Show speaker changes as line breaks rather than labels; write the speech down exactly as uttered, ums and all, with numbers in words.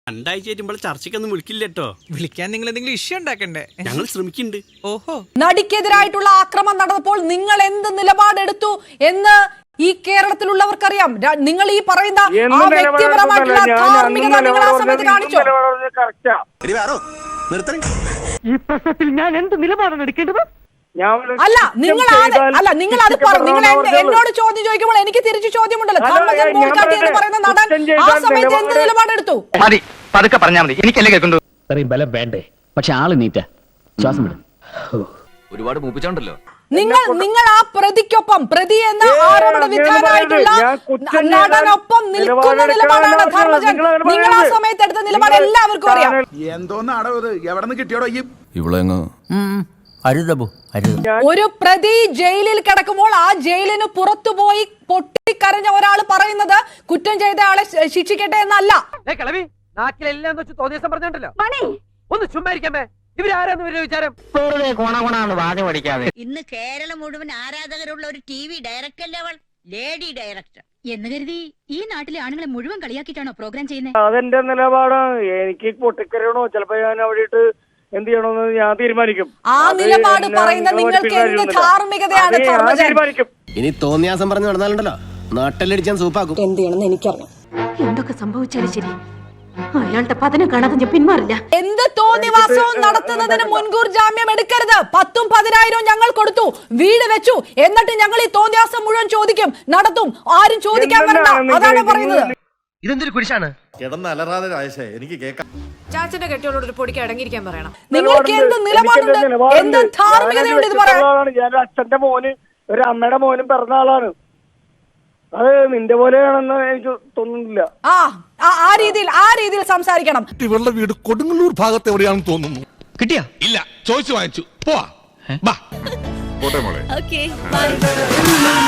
രണ്ടാഴ്ച ആയിട്ടുമ്പോൾ ചർച്ചയ്ക്കൊന്നും വിളിക്കില്ലട്ടോ.
വിളിക്കാൻ നിങ്ങൾ എന്തെങ്കിലും ഇഷ്യൂ ഉണ്ടാക്കണ്ടേ?
ഞങ്ങൾ ശ്രമിക്കുന്നുണ്ട്.
ഓഹോ,
നടിക്കെതിരായിട്ടുള്ള ആക്രമണം നടന്നപ്പോൾ നിങ്ങൾ എന്ത് നിലപാടെടുത്തു എന്ന് ഈ കേരളത്തിലുള്ളവർക്കറിയാം. നിങ്ങൾ ഈ പറയുന്ന ആ വ്യക്തിപരമായിട്ടുള്ള ധാർമ്മികത നിങ്ങൾ ആ സമയത്ത് കാണിച്ചോ?
ഈ പ്രശ്നത്തിൽ ഞാൻ എന്ത് നിലപാടാണ് എടുക്കേണ്ടത്?
അല്ല നിങ്ങൾ അല്ല നിങ്ങൾ അത് നിങ്ങൾ എന്നോട് ചോദ്യം ചോദിക്കുമ്പോൾ എനിക്ക് തിരിച്ചു ചോദ്യമുണ്ടല്ലോ. ധർമ്മജൻ ബോൾഗാട്ടി എന്ന് പറയുന്ന നടൻ ആ സമയത്ത് എന്ത് നിലപാടെടുത്തു?
മതി, പതുക്കെ പറഞ്ഞാൽ മതി, എനിക്കല്ലേ കേൾക്കണ്ടു. ഇത്രയും ബലം വേണ്ടേ? പക്ഷെ ആള് നീറ്റ ശ്വാസം വിടും.
ഒരുപാട് മൂപ്പിച്ചോണ്ടല്ലോ.
നിങ്ങൾ നിങ്ങൾ ആ പ്രതിക്കൊപ്പം, പ്രതി എന്ന ആരോപണ വിധേയനായിട്ടുള്ള നടനൊപ്പം നിൽക്കുന്ന നിലപാടാണ് ധർമ്മജൻ. നിങ്ങൾ ആ സമയത്ത് എടുത്ത നിലപാട് എല്ലാവർക്കും അറിയാം.
എന്തോന്നാടോ ഇത്? എവിടെ നിന്ന് കിട്ടിയോടോ ഈ
ഇവളെങ്ങ്
ഒരു പ്രതി ജയിലിൽ കിടക്കുമ്പോൾ ആ ജയിലിന് പുറത്തുപോയി പൊട്ടിക്കരഞ്ഞ ഒരാൾ പറയുന്നത് കുറ്റം ചെയ്ത ആളെ ശിക്ഷിക്കട്ടെ എന്നല്ല.
ഒന്ന് ചുമ്മാരിക്കാമേ, ഇവരാരാന്ന് ഇവരുടെ വിചാരം?
ഇന്ന് കേരളം മുഴുവൻ ആരാധകരുള്ള ഒരു ടി വി ഡയറക്ടർ അല്ലേ അവൾ, ലേഡി ഡയറക്ടർ എന്ന് കരുതി ഈ നാട്ടിലെ ആണുങ്ങളെ മുഴുവൻ കളിയാക്കിയിട്ടാണോ പ്രോഗ്രാം ചെയ്യുന്നത്?
അതെന്റെ നിലപാടാണ്. എനിക്ക് പൊട്ടിക്കരയണോ ചിലപ്പോ ഞാൻ അവിടെ ഇട്ട് എന്ത് ചെയ്യണമെന്ന് ഞാൻ തീരുമാനിക്കും.
ആ നിലപാട് പറയുന്ന നിങ്ങൾക്ക് എന്ത് ധാർമ്മികതയാണ്
തീരുമാനിക്കും.
ഇനി തോന്നിയാസം പറഞ്ഞു നടന്നാലുണ്ടല്ലോ നാട്ടിലടിച്ചാൻ സൂപ്പാക്കും.
എന്ത് ചെയ്യണമെന്ന് എനിക്കറിയാം.
എന്തൊക്കെ സംഭവിച്ചാലും ശരി, അയാളുടെ പതനം കാണാതെ ഞാൻ പിന്മാറില്ല.
എന്ത് തോന്നിവാസവും നടത്തുന്നതിന് മുൻകൂർ ജാമ്യം എടുക്കരുത്. പത്തും പതിനായിരവും ഞങ്ങൾ കൊടുത്തു, വീട് വെച്ചു, എന്നിട്ട് ഞങ്ങൾ ഈ തോന്നിവാസം മുഴുവൻ ചോദിക്കും, നടത്തും. ആരും ചോദിക്കാൻ വരണ്ട, അതാണ് പറയുന്നത്.
ഇതെന്തൊരു കുരിശാണ്?
കിടന്നലറാതെ രാജേഷേ, എനിക്ക് കേൾക്കാം.
ചാച്ചന്റെ കെട്ടിയോട് ഒരു പൊടിക്ക് അടങ്ങിയിരിക്കാൻ പറയണം.
നിങ്ങൾക്ക് എന്ത് നിലപാടുണ്ട്, എന്ത് ധാർമ്മികതയുണ്ട് ഇത് പറയാൻ?
ഞാൻ അച്ഛന്റെ മോന് ഒരു അമ്മയുടെ മോനും പിറന്ന ആളാണ്. അത് നിന്റെ പോലെയാണെന്ന് എനിക്ക് തോന്നുന്നില്ല.
ആ ആ രീതിയിൽ ആ രീതിയിൽ സംസാരിക്കണം.
ഇവരുടെ വീട് കൊടുങ്ങല്ലൂർ ഭാഗത്ത് എവിടെയാണെന്ന് തോന്നുന്നു.
കിട്ടിയാ?
ഇല്ല, ചോദിച്ചു വാങ്ങിച്ചു. പോവാ.
Okay, by.